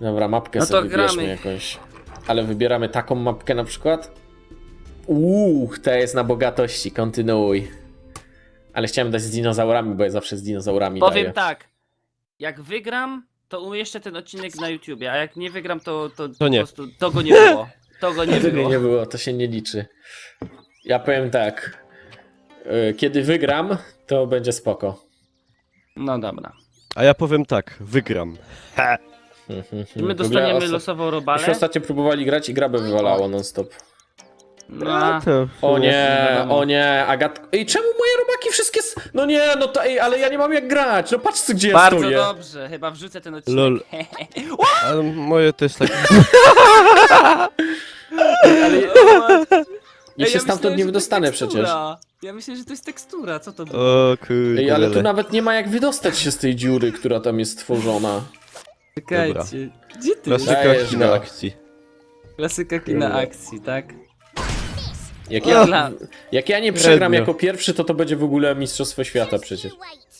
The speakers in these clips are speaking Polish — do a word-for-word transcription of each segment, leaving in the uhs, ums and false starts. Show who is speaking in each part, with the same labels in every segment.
Speaker 1: Dobra, mapkę
Speaker 2: No to
Speaker 1: sobie wybierzmy
Speaker 2: gramy.
Speaker 1: jakąś. Ale wybieramy taką mapkę na przykład? Uuu, ta jest na bogatości, kontynuuj. Ale chciałem dać z dinozaurami, bo ja zawsze z dinozaurami
Speaker 2: Powiem
Speaker 1: daję.
Speaker 2: tak. Jak wygram, to umieszczę ten odcinek na YouTubie, a jak nie wygram, to, to,
Speaker 3: To nie.
Speaker 2: po prostu to go nie było. To go nie
Speaker 1: Tego
Speaker 2: było.
Speaker 1: nie było, to się nie liczy. Ja powiem tak. y, Kiedy wygram, to będzie spoko.
Speaker 2: No dobra.
Speaker 3: A ja powiem tak, wygram. Ha.
Speaker 2: I my
Speaker 1: W
Speaker 2: dostaniemy
Speaker 1: ogóle osta-
Speaker 2: losową
Speaker 1: Myśmy
Speaker 2: robalę.
Speaker 1: ostatnio próbowali grać i grabę wywalało non stop.
Speaker 2: No,
Speaker 3: To
Speaker 1: O nie,
Speaker 2: wiadomo.
Speaker 1: o nie, Agat... Ej, czemu moje robaki wszystkie... s- No nie, no to ej, ale ja nie mam jak grać. No patrz, gdzie ja
Speaker 2: bardzo
Speaker 1: stoję.
Speaker 2: dobrze, chyba wrzucę ten odcinek.
Speaker 3: Lol. Ale moje też tak...
Speaker 1: Ale ja, ja
Speaker 2: Ej,
Speaker 1: się stamtąd
Speaker 2: myślałem,
Speaker 1: nie
Speaker 2: że to
Speaker 1: wydostanę
Speaker 2: jest
Speaker 1: przecież.
Speaker 2: tekstura. Ja myślę, że to jest tekstura, co to było?
Speaker 3: O kurde.
Speaker 1: Ej, ale tu nawet nie ma jak wydostać się z tej dziury, która tam jest stworzona.
Speaker 2: Czekajcie, gdzie ty?
Speaker 3: Klasyka
Speaker 1: Dajesz
Speaker 3: kina
Speaker 1: go.
Speaker 3: akcji.
Speaker 2: Klasyka kina akcji, tak?
Speaker 1: Jak ja,
Speaker 2: Dla-
Speaker 1: jak ja nie przegram
Speaker 3: Średnio.
Speaker 1: jako pierwszy, to to będzie w ogóle Mistrzostwo Świata przecież.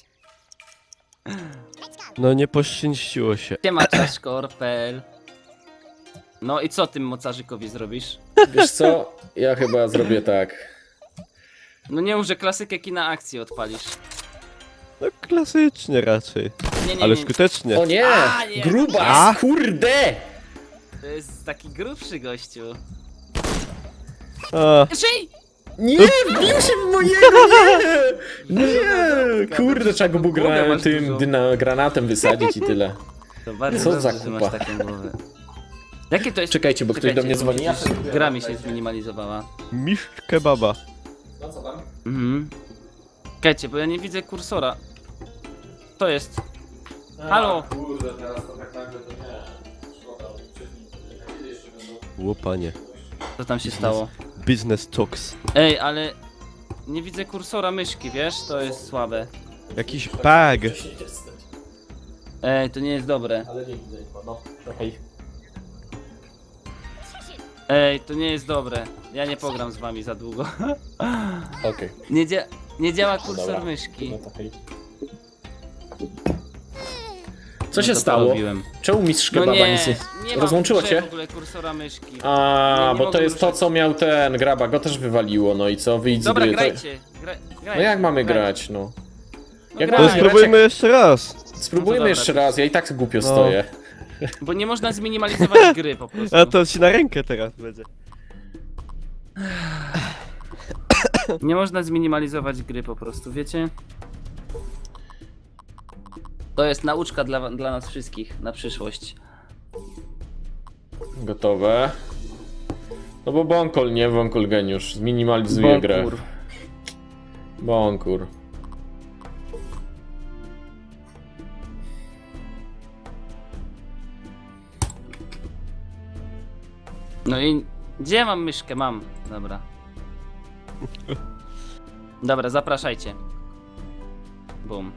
Speaker 3: No nie poszczęściło się.
Speaker 2: Siema, czaszkor.pl. No i co tym mocarzykowi zrobisz?
Speaker 1: Wiesz co? Ja chyba zrobię tak.
Speaker 2: No nie mów, że klasykę kina akcji odpalisz.
Speaker 3: No klasycznie raczej.
Speaker 2: Nie, nie,
Speaker 3: Ale
Speaker 2: nie.
Speaker 3: skutecznie.
Speaker 1: O nie!
Speaker 2: A, nie.
Speaker 1: Grubas!
Speaker 3: A?
Speaker 1: Kurde!
Speaker 2: To jest taki grubszy gościu.
Speaker 3: A,
Speaker 2: Żyj!
Speaker 1: Nie! Wbił się w mojego! Nie! Nie! Kurde, trzeba go było
Speaker 2: Głowę
Speaker 1: gra
Speaker 2: masz
Speaker 1: tym
Speaker 2: dużą.
Speaker 1: dyna granatem wysadzić i tyle.
Speaker 2: To bardzo
Speaker 1: Co
Speaker 2: dobrze,
Speaker 1: za
Speaker 2: że
Speaker 1: kupa.
Speaker 2: masz taką głowę. Jakie to jest...
Speaker 1: Czekajcie, bo ktoś do mnie
Speaker 2: bo
Speaker 1: dzwoni. Ja
Speaker 2: widzisz, gra mi się zminimalizowała.
Speaker 3: mistrz kebaba.
Speaker 1: No co tam?
Speaker 2: Mhm. Czekajcie, bo ja nie widzę kursora. To jest... Halo?
Speaker 1: Kurde, teraz to tak nagle to nie. Szkoda, kiedy jeszcze będą?
Speaker 3: Łopanie.
Speaker 2: Co tam się stało?
Speaker 3: Business talks.
Speaker 2: Ej, ale... Nie widzę kursora myszki, wiesz? To jest słabe.
Speaker 3: Jakiś bag.
Speaker 2: Ej, to nie jest dobre.
Speaker 1: Ale nie widzę chyba, no. Okej.
Speaker 2: Ej, to nie jest dobre. Ja nie pogram z wami za długo.
Speaker 1: Okej.
Speaker 2: Nie, dzia nie działa kursor
Speaker 1: Dobra.
Speaker 2: myszki.
Speaker 1: No to hej. Co
Speaker 2: No
Speaker 1: się
Speaker 2: to
Speaker 1: stało?
Speaker 2: porobiłem.
Speaker 1: Czemu mistrz
Speaker 2: No
Speaker 1: kebaba
Speaker 2: nie,
Speaker 1: nic nie...
Speaker 2: nie ma
Speaker 1: Rozłączyło
Speaker 2: w grze
Speaker 1: cię?
Speaker 2: w ogóle kursora myszki.
Speaker 1: A,
Speaker 2: Nie, nie
Speaker 1: bo
Speaker 2: mogę
Speaker 1: to jest to,
Speaker 2: ruszać.
Speaker 1: co miał ten graba, go też wywaliło, no i co, wyjdź
Speaker 2: Dobra,
Speaker 1: z gry. To...
Speaker 2: grajcie. Gra grajcie.
Speaker 1: No jak mamy
Speaker 2: grajcie.
Speaker 1: grać, no?
Speaker 2: No
Speaker 1: Jak
Speaker 3: To
Speaker 1: mamy
Speaker 2: graj,
Speaker 1: grać,
Speaker 3: spróbujmy
Speaker 1: jak-
Speaker 3: jeszcze raz.
Speaker 1: Spróbujmy
Speaker 2: dobra,
Speaker 1: jeszcze
Speaker 2: to-
Speaker 1: raz, ja i tak głupio
Speaker 3: No.
Speaker 1: stoję.
Speaker 2: Bo nie można zminimalizować gry po prostu.
Speaker 3: A to ci na rękę teraz będzie.
Speaker 2: Nie można zminimalizować gry po prostu, wiecie? To jest nauczka dla, dla nas wszystkich na przyszłość.
Speaker 1: Gotowe. No bo Bonkol, nie Bonkol geniusz, zminimalizuje grę.
Speaker 2: Bonkur.
Speaker 1: Bonkur.
Speaker 2: No i gdzie ja mam myszkę? Mam. Dobra. Dobra, zapraszajcie. Bum.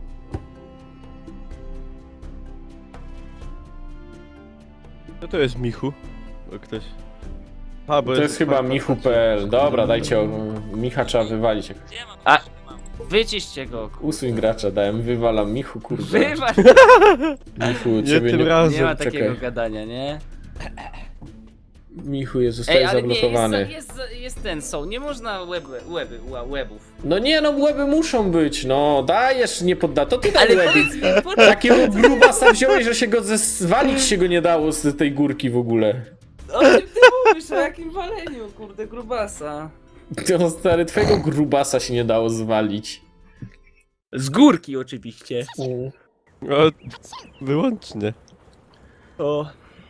Speaker 3: No to jest Michu. Bo ktoś... A, bo
Speaker 1: To jest chyba michu.pl. Dobra, dajcie, o, Micha trzeba wywalić.
Speaker 2: A, wyciście go. kur-
Speaker 1: Usuń gracza, dałem, wywalam Michu, kurde.
Speaker 2: Wywal!
Speaker 1: Michu,
Speaker 3: Nie
Speaker 1: ciebie
Speaker 3: tym
Speaker 1: nie...
Speaker 3: razem.
Speaker 2: Nie ma
Speaker 1: czekaj.
Speaker 2: takiego gadania, nie?
Speaker 1: Michu jest, zostaje
Speaker 2: ale nie,
Speaker 1: zablokowany.
Speaker 2: jest, jest, jest ten są, nie można web, weby, ła- webów.
Speaker 1: No nie no, łeby muszą być, no dajesz, nie podda, to ty daj
Speaker 2: Ale
Speaker 1: łeby.
Speaker 2: powiedz mi, po...
Speaker 1: Takiego grubasa wziąłeś, że się go zwalić się go nie dało z tej górki w ogóle.
Speaker 2: o czym ty mówisz, o jakim waleniu, kurde, grubasa.
Speaker 1: To stary, twojego grubasa się nie dało zwalić.
Speaker 2: Z górki oczywiście.
Speaker 3: O, wyłącznie.
Speaker 2: O.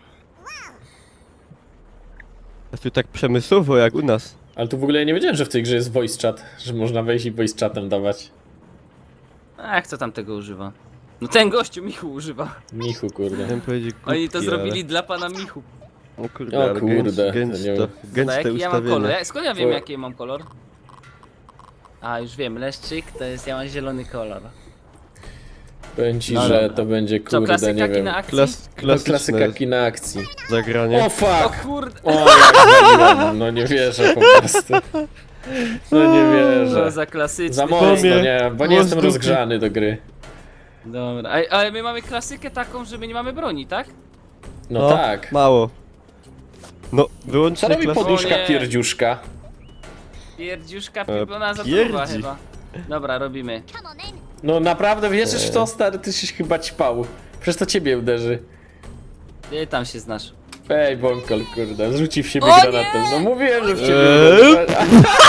Speaker 3: A tu tak przemysłowo jak u nas.
Speaker 1: Ale tu w ogóle ja nie wiedziałem, że w tej grze jest voice chat, że można wejść i voice chatem dawać.
Speaker 2: A kto tam tego używa? No ten gościu Michu używa.
Speaker 1: Michu, kurde.
Speaker 3: Chciałem powiedzieć
Speaker 2: Oni to
Speaker 3: głupki,
Speaker 2: zrobili dla pana Michu.
Speaker 3: Ale... O kurde,
Speaker 1: O
Speaker 3: ale
Speaker 1: kurde,
Speaker 3: gęst,
Speaker 1: to nie
Speaker 3: gęsto,
Speaker 1: wiem.
Speaker 2: A
Speaker 3: gęste
Speaker 2: jaki ja mam kolor?
Speaker 3: ustawienie.
Speaker 2: Ja, skąd ja wiem
Speaker 1: To-
Speaker 2: jaki mam kolor? A już wiem, leszczyk to jest, ja mam zielony kolor.
Speaker 1: Powiem ci,
Speaker 2: No
Speaker 1: że
Speaker 2: dobra.
Speaker 1: to będzie,
Speaker 2: Co,
Speaker 1: kurde,
Speaker 2: klasyka
Speaker 1: nie wiem.
Speaker 2: kina akcji?
Speaker 3: Klas,
Speaker 1: To
Speaker 3: klasyczne
Speaker 1: klasyka kina akcji.
Speaker 3: zagranie.
Speaker 1: O
Speaker 2: O
Speaker 1: fuck!
Speaker 2: kurde,
Speaker 1: O, jak waliłem, no nie wierzę po prostu. No nie
Speaker 2: co
Speaker 1: wierzę.
Speaker 2: za klasyczny.
Speaker 1: Za mocno,
Speaker 3: Pomie-
Speaker 1: nie, bo nie jestem
Speaker 3: Wozdupy.
Speaker 1: rozgrzany do gry.
Speaker 2: Dobra, ale, ale my mamy klasykę taką, że my nie mamy broni, tak?
Speaker 1: No, tak.
Speaker 3: Mało. No, wyłącz
Speaker 1: Co robi
Speaker 3: klas...
Speaker 1: poduszka
Speaker 2: O nie.
Speaker 1: pierdziuszka?
Speaker 2: Pierdziuszka,
Speaker 3: E,
Speaker 2: ona za
Speaker 3: pierdzi.
Speaker 2: truba chyba. Dobra, robimy.
Speaker 1: No naprawdę wierzysz w to, stary? Ty się chyba ćpał. Przecież to ciebie uderzy.
Speaker 2: Ty tam się znasz.
Speaker 1: Ej, Bąkol, kurde, zrzuci w siebie
Speaker 2: O
Speaker 1: granatem.
Speaker 2: nie!
Speaker 1: No mówiłem, że w ciebie
Speaker 3: Eee?
Speaker 1: uderzy.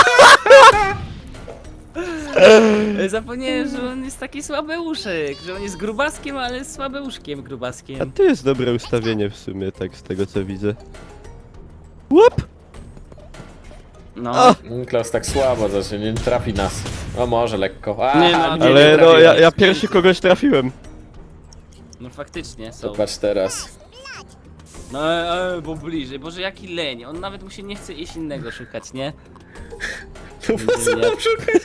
Speaker 2: E, Zapomniałem, że on jest taki słabeuszek, że on jest grubaskiem, ale słabeuszkiem
Speaker 3: A
Speaker 2: grubaskiem.
Speaker 3: to jest dobre ustawienie w sumie, tak z tego co widzę. Łup!
Speaker 2: No.
Speaker 3: A!
Speaker 1: Klaus tak słabo zacznie, nie trafi nas. O, może lekko. A,
Speaker 2: Nie, no,
Speaker 1: nie,
Speaker 3: Ale
Speaker 1: nie
Speaker 3: no,
Speaker 1: trafi
Speaker 3: ja,
Speaker 1: nas.
Speaker 3: ja pierwszy kogoś trafiłem.
Speaker 2: No faktycznie są.
Speaker 1: Popatrz teraz.
Speaker 2: No e, e, bo bliżej, boże jaki leń. On nawet mu się nie chce iść innego szukać, nie?
Speaker 1: No po co
Speaker 2: Nie.
Speaker 1: mam szukać?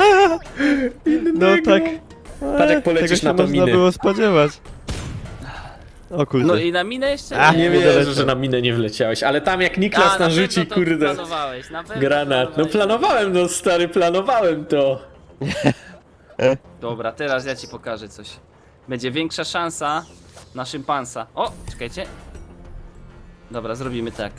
Speaker 3: No tak.
Speaker 1: Patrz, jak polecisz
Speaker 3: Tego się
Speaker 1: na to
Speaker 3: można
Speaker 1: miny.
Speaker 3: było spodziewać. O kurde.
Speaker 2: No i na minę jeszcze
Speaker 3: A,
Speaker 1: Nie
Speaker 3: Nie
Speaker 1: wierzę,
Speaker 3: doleciał.
Speaker 1: że na minę nie wleciałeś, ale tam jak Niklas
Speaker 2: A, na
Speaker 1: narzuci,
Speaker 2: pewno to
Speaker 1: kurde,
Speaker 2: planowałeś, na pewno
Speaker 1: granat. No
Speaker 2: planowałeś.
Speaker 1: planowałem, no stary, planowałem to.
Speaker 2: Dobra, teraz ja ci pokażę coś. Będzie większa szansa na szympansa. O, czekajcie. Dobra, zrobimy tak.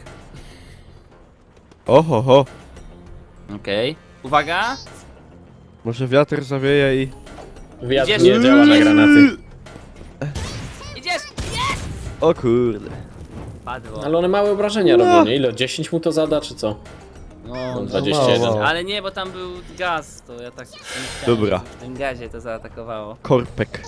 Speaker 3: Oho, ho.
Speaker 2: Okej. Uwaga!
Speaker 3: Może wiatr zawieje i...
Speaker 1: Wiatr
Speaker 2: Idziesz,
Speaker 1: nie działa na
Speaker 2: idziesz.
Speaker 1: granaty.
Speaker 2: Idziesz!
Speaker 3: O kurde.
Speaker 2: Padło.
Speaker 1: Ale one małe obrażenia
Speaker 3: No.
Speaker 1: robią, nie? Ile? dziesięć mu to zada, czy co?
Speaker 2: No,
Speaker 1: No,
Speaker 2: no,
Speaker 1: dwadzieścia jeden.
Speaker 3: mało.
Speaker 2: ale nie, bo tam był gaz, to ja tak nie chciałem,
Speaker 3: Dobra.
Speaker 2: żeby w tym gazie to zaatakowało.
Speaker 3: Korpek.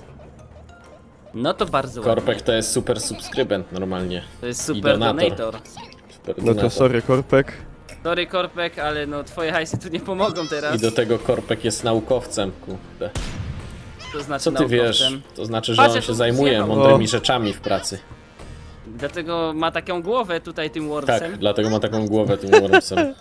Speaker 2: No to bardzo ładnie.
Speaker 1: Korpek to jest super subskrybent normalnie.
Speaker 2: To jest
Speaker 1: i
Speaker 2: super
Speaker 1: donator.
Speaker 2: donator.
Speaker 1: Super
Speaker 3: No to
Speaker 1: donator.
Speaker 3: sorry, Korpek.
Speaker 2: Sorry Korpek, ale no twoje hajsy tu nie pomogą teraz.
Speaker 1: I do tego Korpek jest naukowcem, kurde.
Speaker 2: To znaczy
Speaker 1: Co ty wiesz?
Speaker 2: naukowcem.
Speaker 1: To znaczy, że
Speaker 2: Patrz,
Speaker 1: on
Speaker 2: jak
Speaker 1: się
Speaker 2: on
Speaker 1: zajmuje
Speaker 2: zjechał.
Speaker 1: mądrymi
Speaker 3: O.
Speaker 1: rzeczami w pracy.
Speaker 2: Dlatego ma taką głowę tutaj tym
Speaker 1: Tak,
Speaker 2: wormsem.
Speaker 1: dlatego ma taką głowę tym Wormsem.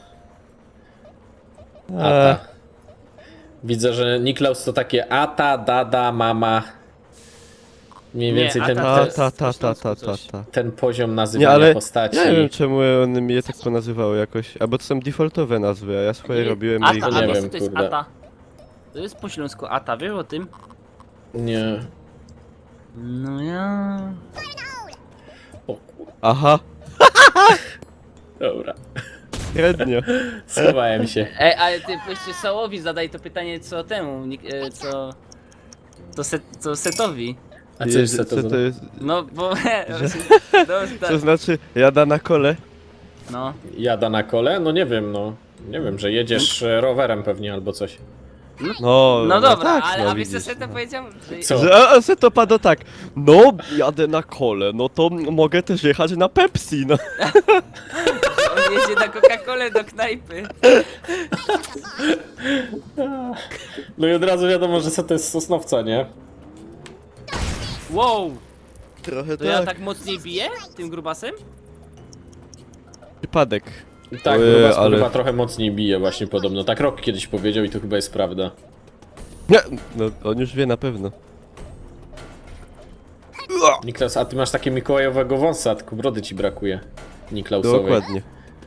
Speaker 3: A,
Speaker 1: Ata. Widzę, że Niklaus to takie ata, dada, mama. Mniej
Speaker 2: Nie,
Speaker 1: więcej ten,
Speaker 2: ata
Speaker 3: ta,
Speaker 2: to
Speaker 1: ten,
Speaker 2: jest
Speaker 3: ta, ta,
Speaker 2: po
Speaker 3: ta, ta,
Speaker 2: śląsku
Speaker 3: ta,
Speaker 2: coś.
Speaker 3: ta.
Speaker 1: ten poziom
Speaker 3: Nie,
Speaker 1: nazywania
Speaker 3: ale
Speaker 1: postaci.
Speaker 3: ja nie wiem czemu one mnie tak ponazywały jakoś. Albo to są defaultowe nazwy, a ja swoje robiłem
Speaker 2: Ata,
Speaker 3: i...
Speaker 1: To
Speaker 2: a
Speaker 1: nie
Speaker 2: wiesz
Speaker 1: wiem,
Speaker 2: co to jest
Speaker 1: kurde.
Speaker 2: ata? To jest po śląsku ata, wiesz o tym?
Speaker 1: Nie.
Speaker 2: No ja...
Speaker 1: O kur...
Speaker 3: Aha,
Speaker 1: Dobra.
Speaker 3: średnio.
Speaker 1: Schowałem się.
Speaker 2: Ej, ale ty jeszcze Sałowi zadaj to pytanie co temu, Nik- e, co... To, set, co Setowi.
Speaker 1: A co jest
Speaker 3: Co
Speaker 1: to?
Speaker 3: to jest?
Speaker 2: No bo... no,
Speaker 3: Co
Speaker 2: tak,
Speaker 3: znaczy jada na kole?
Speaker 2: no.
Speaker 1: Jada na kole? No nie wiem, no. Nie wiem, że jedziesz e, rowerem pewnie albo coś.
Speaker 3: No,
Speaker 2: No dobra,
Speaker 3: tak,
Speaker 2: ale
Speaker 3: no
Speaker 2: a wiesz co
Speaker 3: widzisz,
Speaker 2: Seto
Speaker 3: no.
Speaker 2: powiedział? Że...
Speaker 1: Co?
Speaker 3: Że, a, a se to pada tak, no jadę na kole, no to mogę też jechać na Pepsi, no.
Speaker 2: On jedzie na Coca-Colę do knajpy.
Speaker 1: No i od razu wiadomo, że co to jest z Sosnowca, nie?
Speaker 2: Wow!
Speaker 3: Trochę
Speaker 2: To ja tak mocniej biję tym grubasem?
Speaker 3: Przypadek.
Speaker 1: Tak,
Speaker 3: Ojej,
Speaker 1: Grubas
Speaker 3: ale-
Speaker 1: chyba trochę mocniej bije właśnie podobno. Tak Rok kiedyś powiedział i to chyba jest prawda.
Speaker 3: Nie, no on już wie na pewno.
Speaker 1: Niklaus, a ty masz takie mikołajowego wąsa, tylko brody ci brakuje. Niklausowej.
Speaker 3: Dokładnie.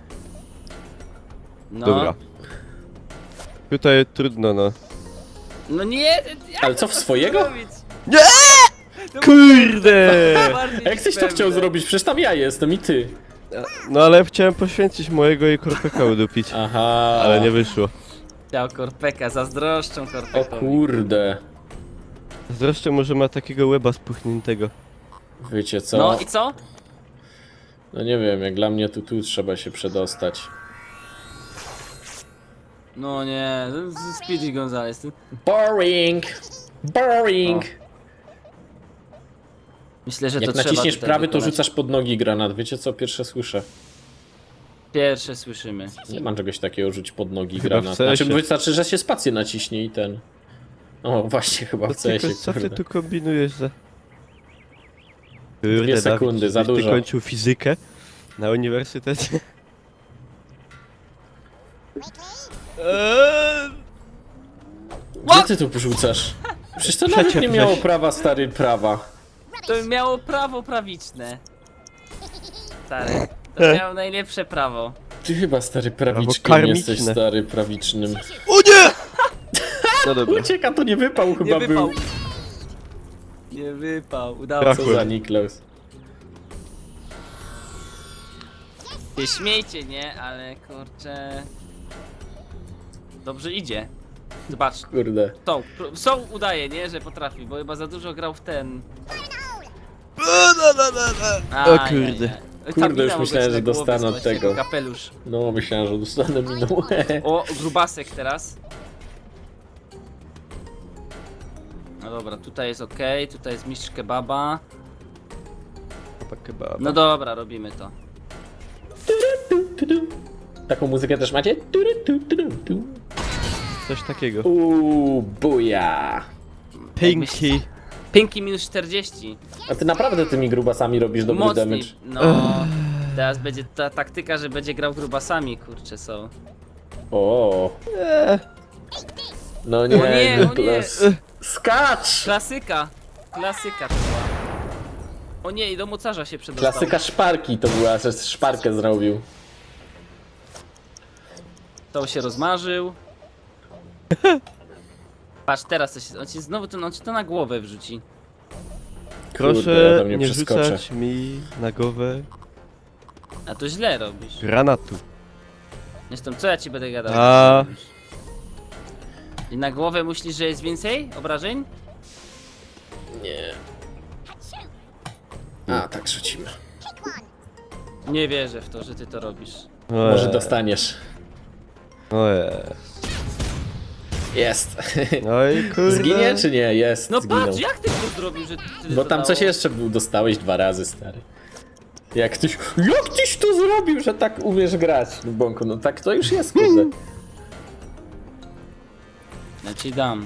Speaker 2: No.
Speaker 3: Dobra. Tutaj trudno, no.
Speaker 2: No nie, jak
Speaker 1: Ale co, w swojego?
Speaker 2: zrobić?
Speaker 3: Nie! Kurde!
Speaker 2: Bardziej
Speaker 1: A jak ktoś to
Speaker 2: pewne.
Speaker 1: chciał zrobić? Przecież tam ja jestem i ty.
Speaker 3: No ale chciałem poświęcić mojego i korpeka udupić.
Speaker 1: Aha.
Speaker 3: Ale nie wyszło.
Speaker 2: Chciał Korpeka, zazdroszczą
Speaker 1: O
Speaker 2: Korpekowi.
Speaker 1: kurde.
Speaker 3: Zresztą może ma takiego łeba spuchniętego.
Speaker 1: Wiecie co?
Speaker 2: No i co?
Speaker 1: No nie wiem, jak dla mnie tu, tu trzeba się przedostać.
Speaker 2: No nie, Speedy Gonzales. ty-
Speaker 1: Boring! Boring!
Speaker 2: Myślę, że
Speaker 1: Jak
Speaker 2: to trzeba
Speaker 1: naciśniesz
Speaker 2: tutaj
Speaker 1: prawy, to
Speaker 2: wykonać.
Speaker 1: rzucasz pod nogi granat. Wiecie co? Pierwsze słyszę.
Speaker 2: Pierwsze słyszymy.
Speaker 1: Nie mam czegoś takiego, rzuć pod nogi
Speaker 3: Chyba
Speaker 1: granat.
Speaker 3: w C S ie.
Speaker 1: Znaczy wystarczy, że się spację naciśnie i ten... O, właśnie, chyba w
Speaker 3: To tylko
Speaker 1: C S ie,
Speaker 3: co ty
Speaker 1: kurde.
Speaker 3: tu kombinujesz za...
Speaker 1: Dwie
Speaker 3: Kurde,
Speaker 1: sekundy,
Speaker 3: Dawid,
Speaker 1: za
Speaker 3: żeś ty
Speaker 1: dużo.
Speaker 3: kończył fizykę na uniwersytecie. Eee,
Speaker 1: Gdzie ty tu rzucasz? Przecież to nawet
Speaker 3: Przeciep
Speaker 1: nie miało
Speaker 3: żeś.
Speaker 1: prawa, stary, prawa.
Speaker 2: To miało prawo prawiczne. Stary. To miało najlepsze prawo.
Speaker 1: Ty chyba, stary, prawiczkiem
Speaker 3: karmiczne.
Speaker 1: jesteś, stary, prawicznym.
Speaker 3: O nie! No dobra.
Speaker 1: Ucieka, to nie wypał chyba
Speaker 2: Nie wypał.
Speaker 1: był.
Speaker 2: Nie wypał, udało
Speaker 3: Traf-
Speaker 2: się.
Speaker 1: Co za Niklaus.
Speaker 2: Się śmiejcie, nie? Ale kurczę... Dobrze idzie. Zobacz,
Speaker 1: Kurde.
Speaker 2: Są, są udaje, nie? Że potrafi, bo chyba za dużo grał w ten...
Speaker 3: O kurde.
Speaker 1: Kurde, już myślałem, że dostanę od tego.
Speaker 2: Kapelusz.
Speaker 1: No, myślałem, że dostanę minął.
Speaker 2: O, grubasek teraz. No dobra, tutaj jest ok, tutaj jest mistrz kebaba. No dobra, robimy to.
Speaker 1: Taką muzykę też macie?
Speaker 3: Coś takiego.
Speaker 1: Uuu, buja.
Speaker 3: Pinky.
Speaker 2: Pinki minus czterdzieści.
Speaker 1: A ty naprawdę tymi grubasami robisz dobry
Speaker 2: Mocniej.
Speaker 1: damage.
Speaker 2: No. Teraz będzie ta taktyka, że będzie grał grubasami, kurczę, są.
Speaker 1: O.
Speaker 3: Eee.
Speaker 1: No nie,
Speaker 2: O nie, o nie.
Speaker 1: Niklas. Skacz!
Speaker 2: Klasyka. Klasyka to była. O nie, i do mocarza się przedostał.
Speaker 1: Klasyka szparki to była, że szparkę zrobił.
Speaker 2: To się rozmarzył. Patrz, teraz to się, on ci znowu to, on ci to na głowę wrzuci.
Speaker 1: Kurde, ja
Speaker 3: Proszę
Speaker 1: tam nie
Speaker 3: nie
Speaker 1: przeskoczę.
Speaker 3: rzucać mi na głowę
Speaker 2: A to źle robisz.
Speaker 3: granatu.
Speaker 2: Zresztą co ja ci będę gadał?
Speaker 3: A.
Speaker 2: I na głowę myślisz, że jest więcej obrażeń?
Speaker 1: Nie. A, tak rzucimy.
Speaker 2: Nie wierzę w to, że ty to robisz.
Speaker 1: Może dostaniesz.
Speaker 3: Ojej.
Speaker 1: Jest.
Speaker 3: No i kurde.
Speaker 1: Zginie czy nie? Jest,
Speaker 2: No
Speaker 1: zginął.
Speaker 2: patrz, jak ty to zrobił, że tyle
Speaker 1: Bo
Speaker 2: to
Speaker 1: tam
Speaker 2: dało?
Speaker 1: coś jeszcze był, dostałeś dwa razy, stary. Jak tyś, jak tyś to zrobił, że tak umiesz grać, no Bąku, no tak to już jest, kurde.
Speaker 2: Ja ci dam.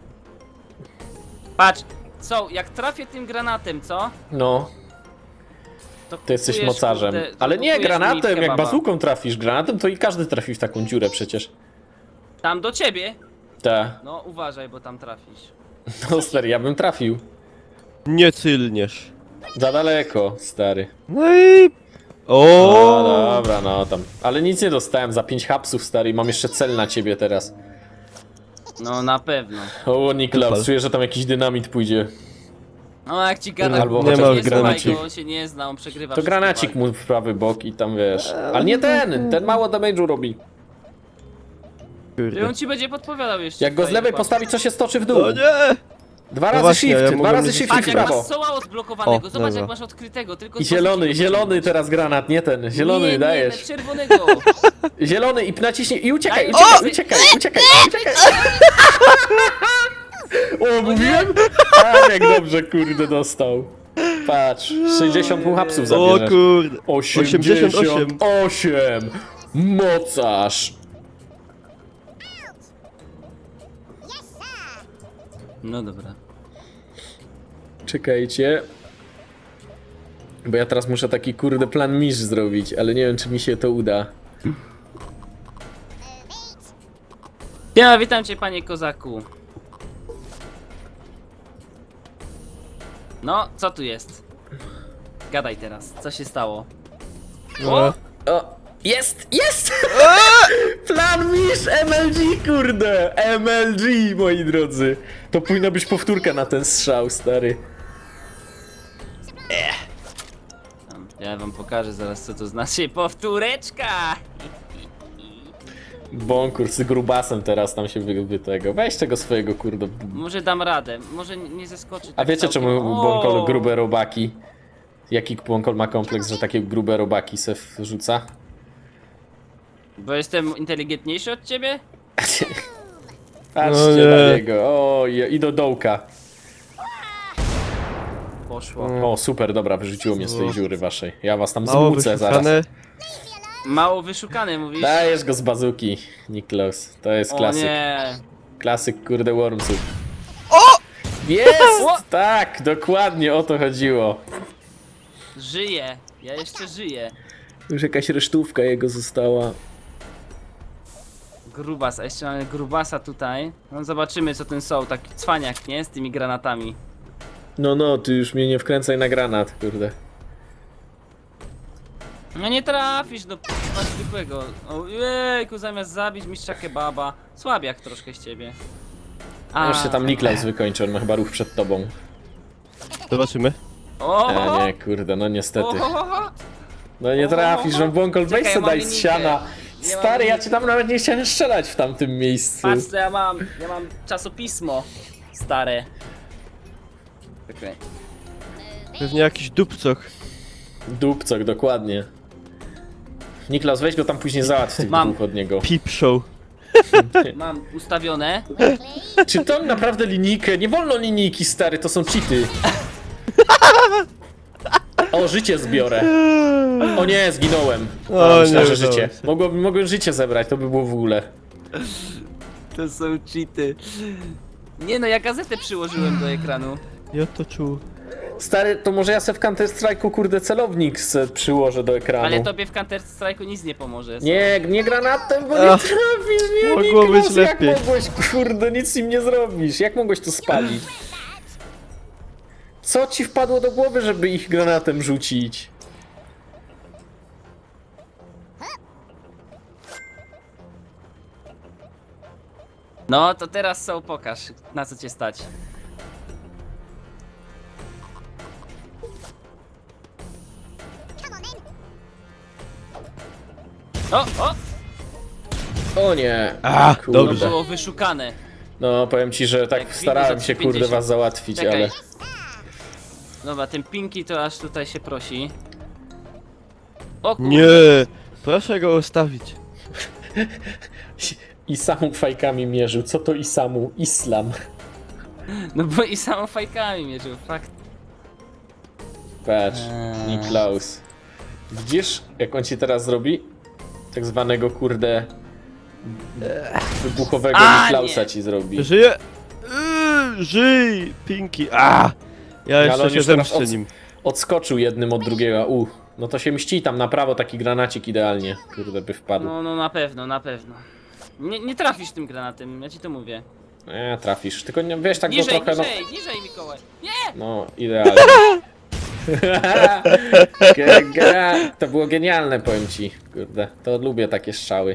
Speaker 2: Patrz, co, jak trafię tym granatem, co?
Speaker 1: No,
Speaker 2: To,
Speaker 1: ty jesteś
Speaker 2: kupujesz,
Speaker 1: mocarzem.
Speaker 2: kurde, to
Speaker 1: Ale nie,
Speaker 2: kupujesz mi
Speaker 1: granatem, jak
Speaker 2: kebaba.
Speaker 1: bazuką trafisz granatem, to i każdy trafi w taką dziurę przecież.
Speaker 2: Tam do ciebie?
Speaker 1: Ta,
Speaker 2: No uważaj, bo tam trafisz.
Speaker 1: no stary, ja bym trafił.
Speaker 3: Nie cylniesz.
Speaker 1: Za daleko, stary.
Speaker 3: No i...
Speaker 1: O,
Speaker 3: O.
Speaker 1: dobra, no tam. Ale nic nie dostałem za pięć hapsów, stary, i mam jeszcze cel na ciebie teraz.
Speaker 2: No na pewno.
Speaker 1: O, Niklaus,
Speaker 3: Super.
Speaker 1: czuję, że tam jakiś dynamit pójdzie.
Speaker 2: No jak ci gada,
Speaker 1: Albo
Speaker 2: nie,
Speaker 1: chociaż
Speaker 2: nie słuchaj
Speaker 1: granacik.
Speaker 2: go, on się nie zna, on przegrywa
Speaker 1: To
Speaker 2: wszystkie
Speaker 1: granacik
Speaker 2: walki.
Speaker 1: mu w prawy bok i tam wiesz. Ale nie ten! Ten mało damage'u robi.
Speaker 2: I
Speaker 3: Kurde.
Speaker 2: on ci będzie podpowiadał jeszcze.
Speaker 1: Jak go z
Speaker 2: tutaj,
Speaker 1: lewej
Speaker 2: dokładnie.
Speaker 1: postawi, co się stoczy w dół.
Speaker 3: O nie!
Speaker 1: Dwa
Speaker 3: No
Speaker 1: razy
Speaker 3: właśnie,
Speaker 1: shift,
Speaker 3: ja
Speaker 1: dwa
Speaker 3: mogłem
Speaker 1: razy
Speaker 3: nie
Speaker 1: shift
Speaker 2: Patrz,
Speaker 1: w
Speaker 2: jak
Speaker 1: prawo.
Speaker 2: masz soła odblokowanego,
Speaker 3: O,
Speaker 2: zobacz
Speaker 3: dobra.
Speaker 2: jak masz odkrytego, tylko
Speaker 1: I
Speaker 2: co
Speaker 1: zielony,
Speaker 2: musisz
Speaker 1: zielony
Speaker 2: wyciągnąć.
Speaker 1: teraz granat, nie ten. Zielony
Speaker 2: nie, nie,
Speaker 1: dajesz.
Speaker 2: Nie, czerwonego.
Speaker 1: Zielony i naciśnij i uciekaj,
Speaker 2: Daj,
Speaker 1: uciekaj,
Speaker 2: o!
Speaker 1: uciekaj, uciekaj, uciekaj. O, mówiłem? A, jak dobrze, kurde, dostał. Patrz, sześćdziesiąt mu hapsów
Speaker 3: O
Speaker 1: zabierzesz.
Speaker 3: kurde.
Speaker 1: osiemdziesiąt
Speaker 3: osiemdziesiąt
Speaker 1: osiem. Mocarz.
Speaker 2: No dobra.
Speaker 1: Czekajcie. Bo ja teraz muszę taki kurde plan misz zrobić, ale nie wiem czy mi się to uda.
Speaker 2: Ja witam cię, panie kozaku. No, co tu jest? Gadaj teraz, co się stało?
Speaker 3: O!
Speaker 1: O, jest, jest! Plan misz M L G, kurde! M L G, moi drodzy. To powinna być powtórka na ten strzał, stary.
Speaker 2: Tam, ja wam pokażę zaraz, co to znaczy powtóreczka.
Speaker 1: Bonkur z grubasem teraz tam się wy, wy tego. Weź tego swojego kurde.
Speaker 2: Może dam radę, może nie nie zeskoczy
Speaker 1: A
Speaker 2: tak
Speaker 1: wiecie
Speaker 2: całkiem.
Speaker 1: czemu
Speaker 2: O!
Speaker 1: Bonkol grube robaki? Jaki Bonkol ma kompleks, że takie grube robaki se wrzuca?
Speaker 2: Bo jestem inteligentniejszy od ciebie?
Speaker 1: Patrzcie
Speaker 3: No nie.
Speaker 1: na niego. O, i i do dołka.
Speaker 2: Poszło.
Speaker 1: O, super, dobra, wyrzuciło mnie z tej dziury waszej. Ja was tam
Speaker 3: Mało
Speaker 1: zmucę zaraz.
Speaker 3: wyszukane.
Speaker 2: Mało wyszukany mówisz?
Speaker 1: Dajesz go z bazuki, Niklaus. To jest
Speaker 2: O
Speaker 1: klasyk.
Speaker 2: nie.
Speaker 1: Klasyk, kurde, Wormsów. O! Jest!
Speaker 2: O!
Speaker 1: Tak, dokładnie o to chodziło.
Speaker 2: Żyję, ja jeszcze żyję.
Speaker 1: Już jakaś resztówka jego została.
Speaker 2: Grubas, a jeszcze mamy grubasa tutaj. No zobaczymy co ten są, taki cwaniak, nie? Z tymi granatami.
Speaker 1: No, no, ty już mnie nie wkręcaj na granat, kurde.
Speaker 2: No nie trafisz do p***a zwykłego. Ojejku, zamiast zabić mistrza kebaba. Słabiak troszkę z ciebie.
Speaker 1: A, już się tam Niklaus wykończy, on ma chyba ruch przed tobą.
Speaker 3: Zobaczymy.
Speaker 2: O!
Speaker 1: A nie, kurde, no niestety.
Speaker 2: O!
Speaker 1: No nie trafisz, że bąkol, weź
Speaker 2: Czekaj,
Speaker 1: se
Speaker 2: ja mam
Speaker 1: daj z
Speaker 2: linijkę.
Speaker 1: siana.
Speaker 2: Nie
Speaker 1: Stary,
Speaker 2: mam
Speaker 1: ja cię tam nawet nie chciałem strzelać w tamtym miejscu.
Speaker 2: Patrz co ja mam, ja mam czasopismo stare. Okej.
Speaker 3: Pewnie jakiś dupcoch.
Speaker 1: Dupcok, dokładnie. Niklaus, weź go tam później załatw tych
Speaker 2: Mam.
Speaker 1: dwóch od niego.
Speaker 3: Peep show.
Speaker 2: Mam ustawione.
Speaker 1: Czy to naprawdę linijkę? Nie wolno linijki, stary, to są cheaty. O, życie zbiorę. O nie, zginąłem.
Speaker 3: O,
Speaker 1: A, myślałem,
Speaker 3: nie
Speaker 1: że
Speaker 3: udało
Speaker 1: życie.
Speaker 3: się.
Speaker 1: Mogłem, mogłem życie zebrać, to by było w ogóle.
Speaker 2: To są cheaty. Nie no, ja gazetę przyłożyłem do ekranu.
Speaker 3: Ja to czuł.
Speaker 1: Stary, to może ja se w Counter Strike'u kurde celownik se przyłożę do ekranu.
Speaker 2: Ale tobie w Counter Strike'u nic nie pomoże.
Speaker 1: Nie, nie granatem, bo nie
Speaker 3: Ach,
Speaker 1: trafisz, nie,
Speaker 3: mogło
Speaker 1: Niklaus,
Speaker 3: być
Speaker 1: jak
Speaker 3: lepiej.
Speaker 1: mogłeś, kurde, nic im nie zrobisz, jak mogłeś to spalić? Co ci wpadło do głowy, żeby ich granatem rzucić?
Speaker 2: No to teraz są, pokaż, na co cię stać. O, o!
Speaker 1: O nie.
Speaker 3: A,
Speaker 1: Kurde.
Speaker 2: To
Speaker 3: dobrze.
Speaker 2: było wyszukane.
Speaker 1: No, powiem ci, że
Speaker 2: Jak
Speaker 1: tak
Speaker 2: widzę
Speaker 1: starałem
Speaker 2: za
Speaker 1: się, kurde,
Speaker 2: pięćdziesiąt.
Speaker 1: was załatwić,
Speaker 2: Czekaj.
Speaker 1: ale...
Speaker 2: Dobra, ten Pinki to aż tutaj się prosi. O kurde.
Speaker 3: Nie, proszę go ustawić.
Speaker 1: Isamu fajkami mierzył. Co to Isamu? Islam.
Speaker 2: No bo i samo fajkami mierzył, fakt.
Speaker 1: Patrz,
Speaker 2: Eee.
Speaker 1: Niklaus. Widzisz, jak on ci teraz zrobi? Tak zwanego, kurde... Wybuchowego
Speaker 2: A,
Speaker 1: Niklausa
Speaker 2: nie.
Speaker 1: ci zrobi.
Speaker 3: Żyje! Yy, żyj! Pinki! A! Ja
Speaker 1: Ale
Speaker 3: jeszcze
Speaker 1: on
Speaker 3: się
Speaker 1: już teraz
Speaker 3: zemszczę
Speaker 1: od-
Speaker 3: nim.
Speaker 1: Odskoczył jednym od drugiego. U, no to się mści tam na prawo taki granacik idealnie. Kurde, by wpadł.
Speaker 2: No, no na pewno, na pewno. Nie, nie trafisz tym granatem, ja ci to mówię.
Speaker 1: Nie, trafisz. Tylko nie, wiesz, tak go
Speaker 2: Niżej,
Speaker 1: trochę, no...
Speaker 2: niżej, niżej Mikołaj. Nie!
Speaker 1: No, idealnie. Ge- ge- To było genialne, powiem ci. Kurde, to lubię takie strzały.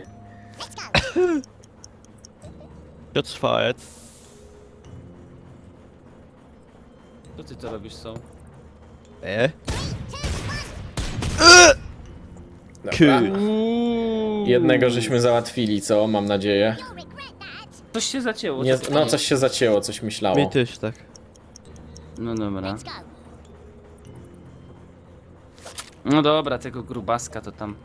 Speaker 3: Shots fired.
Speaker 2: Co ty to robisz, są?
Speaker 3: E?
Speaker 1: Dobra.
Speaker 3: Kur...
Speaker 1: Jednego żeśmy załatwili, co? Mam nadzieję.
Speaker 2: Coś się zacięło.
Speaker 1: Nie,
Speaker 2: co to
Speaker 1: no,
Speaker 2: jest?
Speaker 1: coś się zacięło, coś myślało.
Speaker 3: Mi też tak.
Speaker 2: No dobra. No dobra, tego grubaska to tam.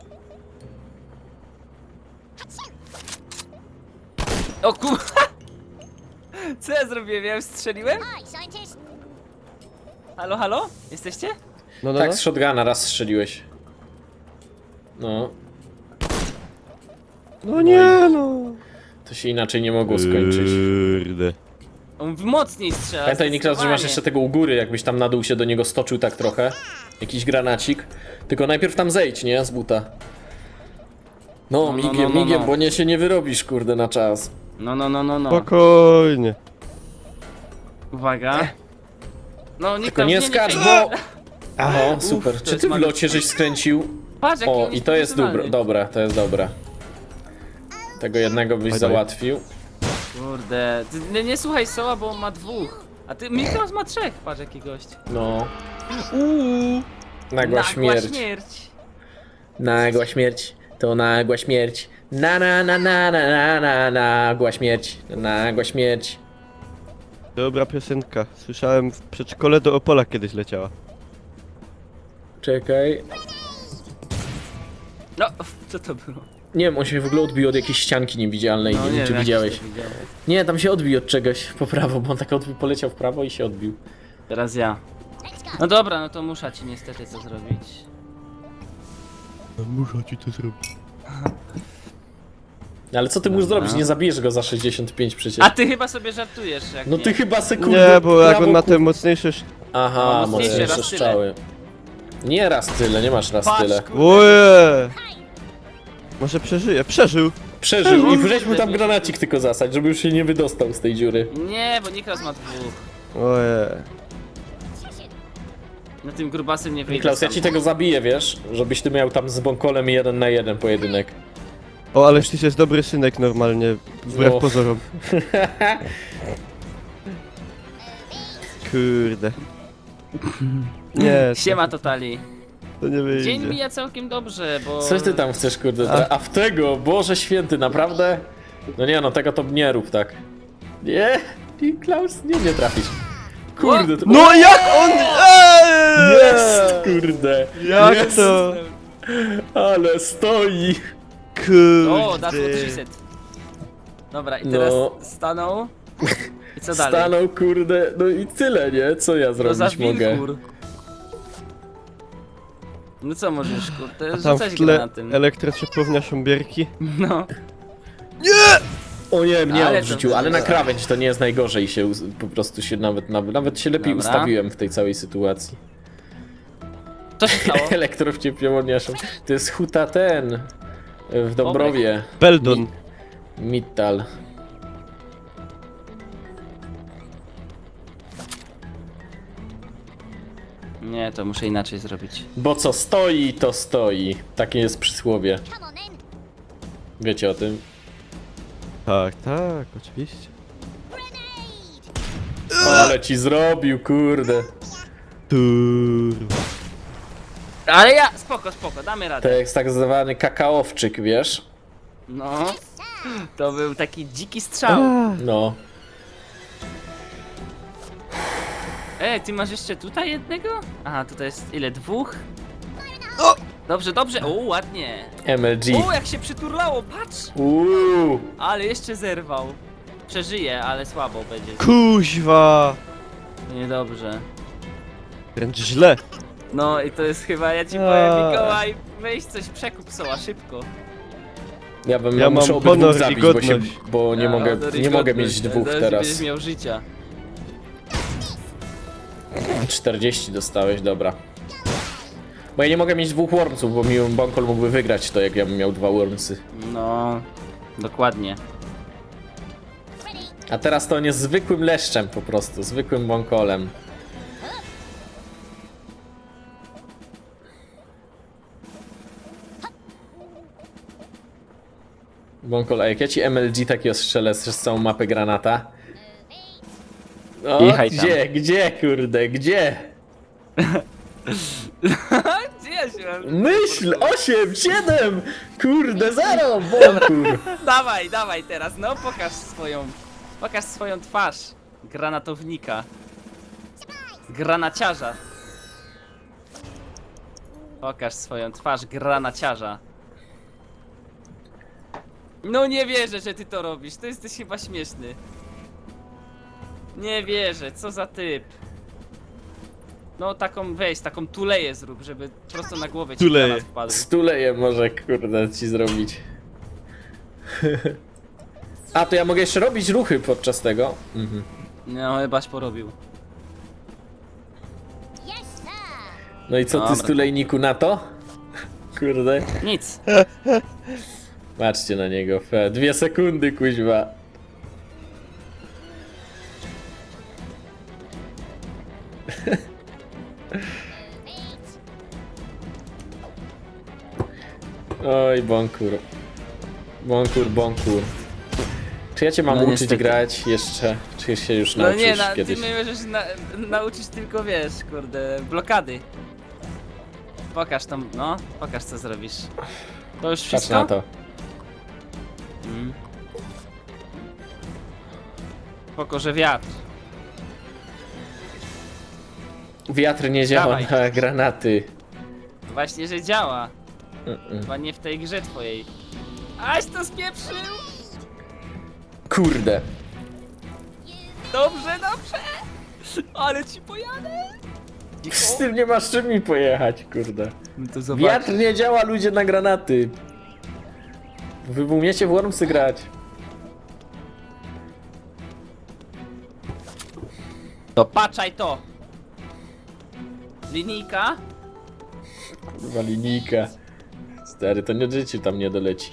Speaker 2: O kur... Co ja zrobiłem? Ja już strzeliłem? Halo, halo? Jesteście?
Speaker 3: No, no,
Speaker 1: Tak,
Speaker 3: no.
Speaker 1: z shotguna raz strzeliłeś. No,
Speaker 3: No nie no.
Speaker 1: to się inaczej nie mogło skończyć.
Speaker 3: Kurde.
Speaker 2: On mówi mocniej strzela.
Speaker 1: Pamiętaj, Niklas, że masz
Speaker 2: zdecydowanie.
Speaker 1: jeszcze tego u góry, jakbyś tam na dół się do niego stoczył tak trochę. Jakiś granacik. Tylko najpierw tam zejdź, nie? Z buta. No,
Speaker 2: No, no,
Speaker 1: migiem,
Speaker 2: no, no,
Speaker 1: migiem,
Speaker 2: no.
Speaker 1: bo nie się nie wyrobisz, kurde, na czas.
Speaker 2: No, no, no, no, no.
Speaker 3: Spokojnie.
Speaker 2: Uwaga. No, nie
Speaker 1: Tylko nie skacz, bo... Aha, super.
Speaker 2: to
Speaker 1: Czy
Speaker 2: jest
Speaker 1: ty w
Speaker 2: magiczne.
Speaker 1: locie żeś skręcił?
Speaker 2: Patrz, jaki
Speaker 1: O,
Speaker 2: on
Speaker 1: i to jest dobre,
Speaker 2: profesjonalny.
Speaker 1: dobre, to jest dobre. Tego jednego byś
Speaker 3: Bye, bye.
Speaker 1: załatwił.
Speaker 2: Kurde. Ty nie, nie słuchaj Soła, bo on ma dwóch. A ty, Mikros ma trzech. Patrz, jaki gość.
Speaker 1: No.
Speaker 3: Uuu.
Speaker 1: Nagła śmierć.
Speaker 2: śmierć.
Speaker 1: Nagła śmierć. To nagła śmierć. Na na na na na na na nagła śmierć. Nagła śmierć.
Speaker 3: Dobra piosenka. Słyszałem w przedszkole do Opola kiedyś leciała.
Speaker 1: Czekaj.
Speaker 2: No, co to było?
Speaker 1: Nie wiem, on się w ogóle odbił od jakiejś ścianki niewidzialnej.
Speaker 2: No,
Speaker 1: nie wiem, czy
Speaker 2: jak
Speaker 1: widziałeś.
Speaker 2: to widziałeś.
Speaker 1: Nie, tam się odbił od czegoś po prawo, bo on tak odbił, poleciał w prawo i się odbił.
Speaker 2: Teraz ja. No dobra, no to muszę ci niestety co zrobić.
Speaker 3: Muszę ci to zrobić.
Speaker 1: Ale co ty musisz
Speaker 2: Dobra.
Speaker 1: zrobić? Nie zabijesz go za sześćdziesiąt pięć przecież.
Speaker 2: A ty chyba sobie żartujesz, jak
Speaker 1: No
Speaker 2: nie.
Speaker 1: ty chyba sekundę.
Speaker 3: Nie, bo jak
Speaker 1: prawo,
Speaker 3: on ma
Speaker 1: kur-
Speaker 3: te mocniejsze... sz-
Speaker 1: Aha,
Speaker 2: No, mocniejsze,
Speaker 1: mocniejsze
Speaker 2: raz tyle.
Speaker 1: strzały. Nie raz tyle, nie masz raz
Speaker 2: Patrz,
Speaker 1: tyle.
Speaker 2: kurde.
Speaker 3: Oje! Może przeżyje. Przeżył!
Speaker 1: Przeżył i
Speaker 2: Kurde,
Speaker 1: weź mu tam
Speaker 2: wiesz.
Speaker 1: granacik tylko zasać, żeby już się nie wydostał z tej dziury.
Speaker 2: Nie, bo Niklas ma dwóch.
Speaker 3: Oje.
Speaker 2: No tym grubasem nie wyjdzie.
Speaker 1: Niklaus, ja
Speaker 2: sam.
Speaker 1: ci tego zabiję, wiesz? Żebyś ty miał tam z Bąkolem jeden na jeden pojedynek.
Speaker 3: O, ależ ty jest dobry synek normalnie. Wbrew
Speaker 1: No.
Speaker 3: pozorom. Kurde. Nie. to-
Speaker 2: Siema Totali.
Speaker 3: To nie wyjdzie.
Speaker 2: Dzień mija całkiem dobrze, bo...
Speaker 1: Coś ty tam chcesz, kurde? tra- A w tego, Boże święty, naprawdę? No nie no, tego to nie rób tak. Nie, ty Klaus, nie, nie trafisz. Kurde, to...
Speaker 3: No jak on... Eee!
Speaker 1: Jest, kurde.
Speaker 3: Jak
Speaker 1: jest.
Speaker 3: to?
Speaker 1: Ale stoi.
Speaker 3: Kurde.
Speaker 2: O, that's what she said. Dobra, i teraz
Speaker 1: No.
Speaker 2: stanął. I co dalej?
Speaker 1: Stanął, kurde, no i tyle, nie? Co ja
Speaker 2: To za
Speaker 1: zrobić mogę?
Speaker 2: wilkur. No co możesz, kurde,
Speaker 3: A tam w
Speaker 2: rzucać
Speaker 3: tle
Speaker 2: granatem.
Speaker 3: elektrociepłownia Szumbierki.
Speaker 2: No.
Speaker 1: O nie, mnie
Speaker 2: Ale to
Speaker 1: odrzucił, ale na
Speaker 2: wygląda.
Speaker 1: krawędź to nie jest najgorzej się, us- po prostu się nawet, nawet, nawet się lepiej
Speaker 2: Dobra.
Speaker 1: ustawiłem w tej całej sytuacji.
Speaker 2: Co się stało?
Speaker 1: Elektrowciepłowniaszą. To jest huta ten, w Dąbrowie,
Speaker 3: Beldon.
Speaker 1: Mittal.
Speaker 2: Nie, to muszę inaczej zrobić.
Speaker 1: Bo co stoi, to stoi. Takie jest przysłowie. Wiecie o tym?
Speaker 3: Tak, tak, oczywiście.
Speaker 1: Ale ci zrobił, kurde.
Speaker 3: Turwa.
Speaker 2: Ale ja, spoko, spoko, damy
Speaker 1: To
Speaker 2: radę.
Speaker 1: jest tak zwany kakaowczyk, wiesz?
Speaker 2: No. To był taki dziki strzał.
Speaker 1: No.
Speaker 2: Ej, ty masz jeszcze tutaj jednego? Aha, tutaj jest ile? Dwóch? Dobrze, dobrze. O, ładnie.
Speaker 1: M L G.
Speaker 2: O, jak się przyturlało, patrz!
Speaker 1: Uuu.
Speaker 2: Ale jeszcze zerwał. Przeżyje, ale słabo będzie.
Speaker 3: Kuźwa.
Speaker 2: Niedobrze.
Speaker 3: Wręcz źle.
Speaker 2: No i to jest chyba, ja ci
Speaker 3: A.
Speaker 2: powiem, Mikołaj, weź coś przekup soła, szybko.
Speaker 1: Ja bym
Speaker 3: Ja
Speaker 1: muszę
Speaker 3: mam
Speaker 1: obydwóch
Speaker 3: honor i
Speaker 1: zabić, bo, się,
Speaker 3: godność.
Speaker 1: bo nie
Speaker 2: A,
Speaker 1: mogę,
Speaker 2: honor i
Speaker 1: nie mogę
Speaker 2: godność,
Speaker 1: mieć dwóch
Speaker 2: zaraz
Speaker 1: teraz.
Speaker 2: będziesz miał życia.
Speaker 1: czterdzieści dostałeś, dobra. Bo ja nie mogę mieć dwóch wormsów, bo mi Bonkol mógłby wygrać to, jak ja bym miał dwa wormsy.
Speaker 2: No, dokładnie.
Speaker 1: A teraz to on jest zwykłym leszczem po prostu, zwykłym Bonkolem. Bonkol, a jak ja ci M L G takiego strzelę z całą mapę granata? O,
Speaker 2: Jechaj tam.
Speaker 1: gdzie, gdzie, kurde, gdzie?
Speaker 2: Gdzie ja się mam?
Speaker 1: Myśl! osiem, siedem! Kurde, zero! Bonkur!
Speaker 2: Dawaj, dawaj teraz, no pokaż swoją, pokaż swoją twarz. Granatownika. Granaciarza. Pokaż swoją twarz granaciarza. No nie wierzę, że ty to robisz, to jesteś chyba śmieszny. Nie wierzę, co za typ. No taką weź, taką tuleję zrób, żeby prosto na głowę ci
Speaker 3: Tuleję.
Speaker 2: granat wpadł.
Speaker 1: Stuleję może, kurde, ci zrobić. A, to ja mogę jeszcze robić ruchy podczas tego? Mhm.
Speaker 2: No chybaś porobił.
Speaker 1: No i co ty,
Speaker 2: Dobra.
Speaker 1: stulejniku, na to? Kurde.
Speaker 2: Nic.
Speaker 1: Patrzcie na niego, fe. Dwie sekundy, kuźwa. Oj, Bonkur. Bonkur, Bonkur. Czy ja cię mam
Speaker 2: No
Speaker 1: uczyć
Speaker 2: niestety.
Speaker 1: grać jeszcze? Czy się już
Speaker 2: No
Speaker 1: nauczysz
Speaker 2: nie, na, ty
Speaker 1: kiedyś?
Speaker 2: mnie możesz na, nauczyć tylko, wiesz, kurde, blokady. Pokaż tam, no, pokaż co zrobisz. To już
Speaker 1: Patrz
Speaker 2: wszystko?
Speaker 1: na to.
Speaker 2: Mm. Spoko, że wiatr.
Speaker 1: Wiatr nie działa
Speaker 2: Dawaj.
Speaker 1: na granaty.
Speaker 2: Właśnie, że działa.
Speaker 1: Mm-mm.
Speaker 2: Chyba nie w tej grze twojej. Aś to spieprzył!
Speaker 1: Kurde.
Speaker 2: Dobrze, dobrze! Ale ci pojadę!
Speaker 1: Z tym nie masz czym mi pojechać, kurde.
Speaker 2: No to zobacz.
Speaker 1: Wiatr nie działa, ludzie, na granaty. Wy umiecie w Wormsy grać.
Speaker 2: To patrzaj to! Linijka?
Speaker 1: Kurwa, linijka. Stary, to nie życie tam nie doleci.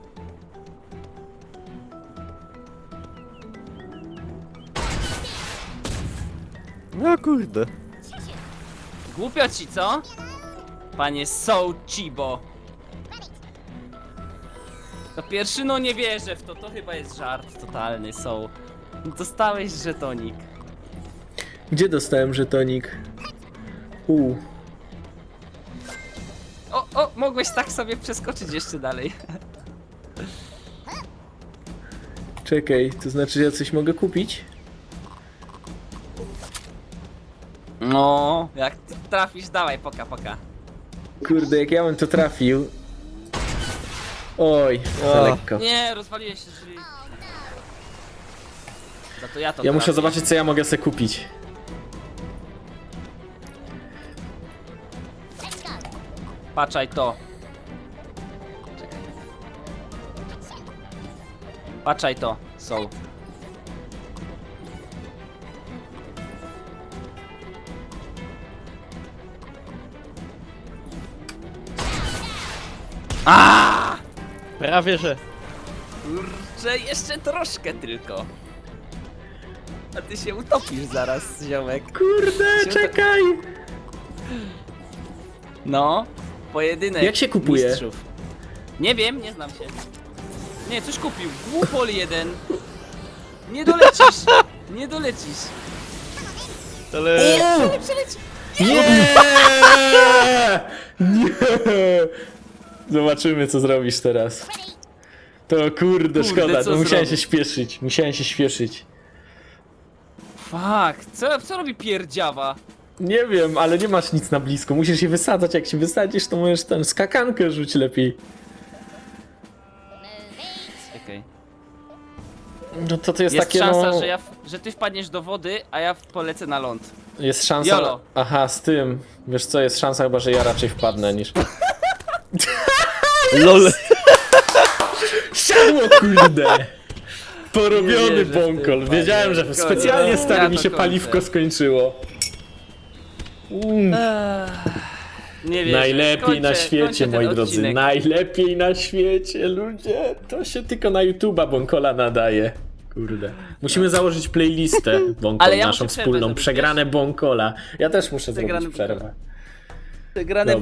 Speaker 3: No kurde.
Speaker 2: Głupio ci, co? Panie Soul Chibo. To pierwszy, no nie wierzę w to, to chyba jest żart totalny, Soul. Dostałeś żetonik.
Speaker 1: Gdzie dostałem żetonik? U.
Speaker 2: O, mogłeś tak sobie przeskoczyć jeszcze dalej.
Speaker 1: Czekaj, to znaczy, że ja coś mogę kupić?
Speaker 2: No, jak ty trafisz, dawaj, poka, poka.
Speaker 1: Kurde, jak ja bym to trafił. Oj, za
Speaker 3: A.
Speaker 1: lekko.
Speaker 2: Nie, rozwaliłeś się drzwi. Za to ja to
Speaker 1: Ja muszę
Speaker 2: trafię.
Speaker 1: zobaczyć, co ja mogę sobie kupić.
Speaker 2: Patrzaj to. Czekaj. Patrzaj to, są. A!
Speaker 3: Prawie że.
Speaker 2: Kurczę, jeszcze troszkę tylko. A ty się utopisz zaraz, ziomek.
Speaker 1: Kurde,
Speaker 2: Się
Speaker 1: czekaj!
Speaker 2: No, pojedynek
Speaker 1: Jak się kupuje?
Speaker 2: mistrzów. Nie wiem, nie znam się. Nie, coś kupił. Głupol jeden. Nie dolecisz. Nie dolecisz.
Speaker 3: Ale...
Speaker 2: Nie przeleci.
Speaker 1: Nie! Nie! Zobaczymy, co zrobisz teraz. To kurde,
Speaker 2: Kurde,
Speaker 1: szkoda,
Speaker 2: co
Speaker 1: no musiałem
Speaker 2: zrobić?
Speaker 1: się śpieszyć. Musiałem się śpieszyć.
Speaker 2: Fuck, co, co robi pierdziawa?
Speaker 1: Nie wiem, ale nie masz nic na blisko. Musisz je wysadzać. Jak się wysadzisz, to możesz ten skakankę rzuć lepiej.
Speaker 2: Czekaj.
Speaker 1: No to to jest,
Speaker 2: Jest
Speaker 1: takie
Speaker 2: szansa,
Speaker 1: no...
Speaker 2: że, ja, w- że ty wpadniesz do wody, a ja w- polecę na ląd.
Speaker 1: Jest szansa...
Speaker 2: Jolo.
Speaker 1: Aha, z tym. Wiesz co, jest szansa chyba, że ja raczej wpadnę niż...
Speaker 3: LOL.
Speaker 1: Siadło, kurde!
Speaker 2: Nie
Speaker 1: Porobiony
Speaker 2: wierzę w tym,
Speaker 1: bąkol.
Speaker 2: panie.
Speaker 1: Wiedziałem, że
Speaker 2: Koniec.
Speaker 1: specjalnie stary
Speaker 2: Ja
Speaker 1: mi
Speaker 2: to
Speaker 1: się
Speaker 2: kończę.
Speaker 1: paliwko skończyło. Mm.
Speaker 2: Nie wiem.
Speaker 1: Najlepiej na świecie, moi drodzy. Najlepiej na świecie, ludzie. To się tylko na YouTube'a Bąkola nadaje. Kurde. Musimy założyć playlistę Bąkol,
Speaker 2: Ale ja
Speaker 1: naszą
Speaker 2: muszę przerwę
Speaker 1: wspólną.
Speaker 2: zrobić,
Speaker 1: Przegrane Bąkola. Ja też muszę
Speaker 2: Przegrany
Speaker 1: zrobić przerwę.
Speaker 2: Grane